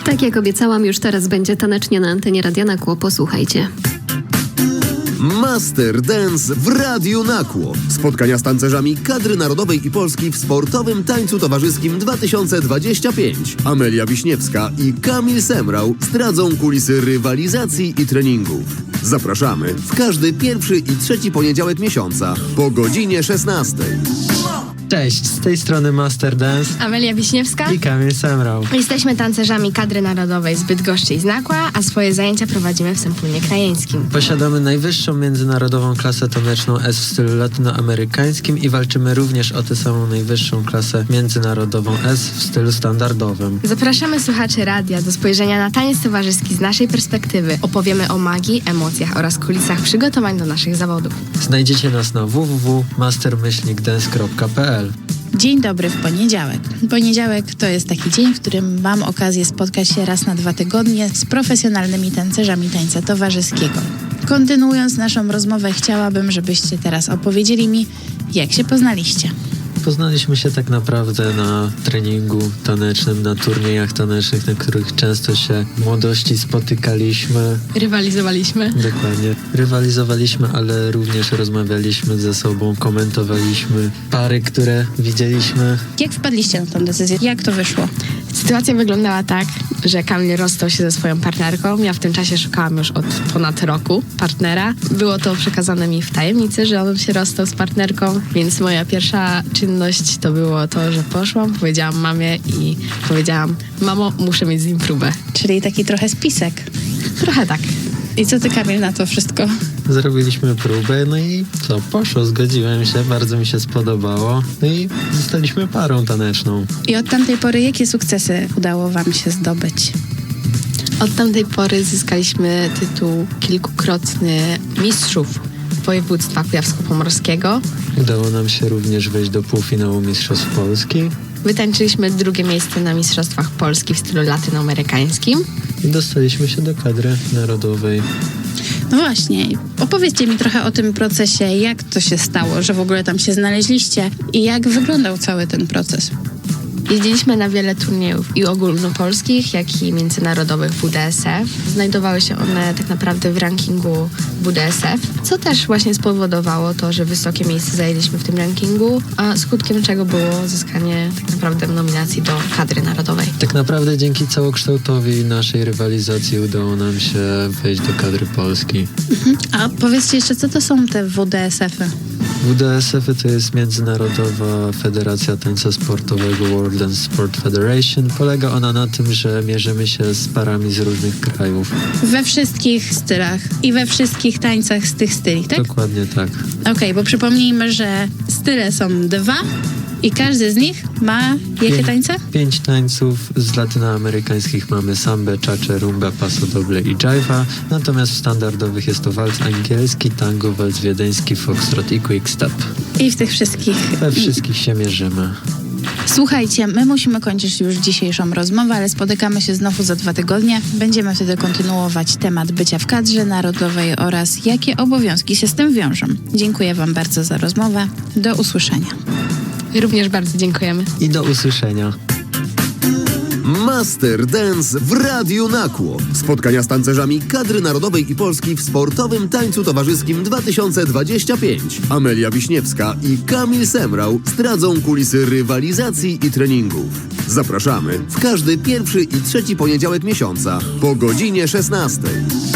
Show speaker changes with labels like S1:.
S1: Tak jak obiecałam, już teraz będzie tanecznie na antenie Radia Nakło. Posłuchajcie.
S2: Master Dance w Radiu Nakło. Spotkania z tancerzami kadry narodowej i Polski w sportowym tańcu towarzyskim 2025. Amelia Wiśniewska i Kamil Semrał zdradzą kulisy rywalizacji i treningów. Zapraszamy w każdy pierwszy i trzeci poniedziałek miesiąca po godzinie 16.
S3: Cześć, z tej strony Master Dance
S4: Amelia Wiśniewska.
S3: i Kamil Semrał.
S4: Jesteśmy tancerzami kadry narodowej z Bydgoszczy i z Nakła, a swoje zajęcia prowadzimy w Sępólnie Krajeńskim.
S3: Posiadamy najwyższą międzynarodową klasę taneczną S w stylu latynoamerykańskim i walczymy również o tę samą najwyższą klasę międzynarodową S w stylu standardowym.
S4: Zapraszamy słuchaczy radia do spojrzenia na taniec towarzyski z naszej perspektywy. Opowiemy o magii, emocjach oraz kulisach przygotowań do naszych zawodów.
S3: Znajdziecie nas na www.master-dance.pl.
S5: Dzień dobry w poniedziałek. Poniedziałek to jest taki dzień, w którym mam okazję spotkać się raz na 2 tygodnie z profesjonalnymi tancerzami tańca towarzyskiego. Kontynuując naszą rozmowę, chciałabym, żebyście teraz opowiedzieli mi, jak się poznaliście.
S3: Poznaliśmy się tak naprawdę na treningu tanecznym, na turniejach tanecznych, na których często się w młodości spotykaliśmy.
S4: Rywalizowaliśmy.
S3: Dokładnie. Rywalizowaliśmy, ale również rozmawialiśmy ze sobą, komentowaliśmy pary, które widzieliśmy.
S5: Jak wpadliście na tę decyzję? Jak to wyszło?
S4: Sytuacja wyglądała tak, że Kamil rozstał się ze swoją partnerką. Ja w tym czasie szukałam już od ponad roku partnera. Było to przekazane mi w tajemnicy, że on się rozstał z partnerką, więc moja pierwsza czynność to było to, że poszłam, powiedziałam mamie i powiedziałam: mamo, muszę mieć z nim próbę.
S5: Czyli taki trochę spisek.
S4: Trochę tak.
S5: I co ty, Kamil, na to wszystko?
S3: Zrobiliśmy próbę, no i co, poszło, zgodziłem się, bardzo mi się spodobało, no i zostaliśmy parą taneczną.
S5: I od tamtej pory jakie sukcesy udało wam się zdobyć?
S4: Od tamtej pory zyskaliśmy tytuł kilkukrotny mistrzów województwa kujawsko-pomorskiego.
S3: Udało nam się również wejść do półfinału Mistrzostw Polski
S4: Wytańczyliśmy 2. miejsce na Mistrzostwach Polski w stylu latynoamerykańskim.
S3: i dostaliśmy się do kadry narodowej.
S5: No właśnie, opowiedzcie mi trochę o tym procesie, jak to się stało, że w ogóle tam się znaleźliście i jak wyglądał cały ten proces.
S4: Jeździliśmy na wiele turniejów i ogólnopolskich, jak i międzynarodowych WDSF. Znajdowały się one tak naprawdę w rankingu WDSF, co też właśnie spowodowało to, że wysokie miejsce zajęliśmy w tym rankingu, a skutkiem czego było zyskanie tak naprawdę nominacji do kadry narodowej.
S3: Tak naprawdę dzięki całokształtowi naszej rywalizacji udało nam się wejść do kadry Polski.
S5: A powiedzcie jeszcze, co to są te WDSF-y?
S3: WDSF to jest Międzynarodowa Federacja Tańca Sportowego World Dance Sport Federation. Polega ona na tym, że mierzymy się z parami z różnych krajów.
S5: We wszystkich stylach i we wszystkich tańcach z tych styli, tak?
S3: Dokładnie tak.
S5: Okej, bo przypomnijmy, że style są 2 i każdy z nich ma jakie tańce?
S3: 5 tańców. Z latynoamerykańskich mamy sambę, czacze, rumbę, paso doble i jive'a. Natomiast w standardowych jest to walc angielski, tango, walc wiedeński, foxtrot i quickstep.
S5: I w tych wszystkich.
S3: We wszystkich się mierzymy.
S5: Słuchajcie, my musimy kończyć już dzisiejszą rozmowę, ale spotykamy się znowu za 2 tygodnie. Będziemy wtedy kontynuować temat bycia w kadrze narodowej oraz jakie obowiązki się z tym wiążą. Dziękuję wam bardzo za rozmowę. Do usłyszenia.
S4: Również bardzo dziękujemy.
S3: I do usłyszenia.
S2: Master Dance w Radiu Nakło. Spotkania z tancerzami kadry narodowej i Polski w sportowym tańcu towarzyskim 2025. Amelia Wiśniewska i Kamil Semrał zdradzą kulisy rywalizacji i treningów. Zapraszamy w każdy pierwszy i trzeci poniedziałek miesiąca po godzinie 16.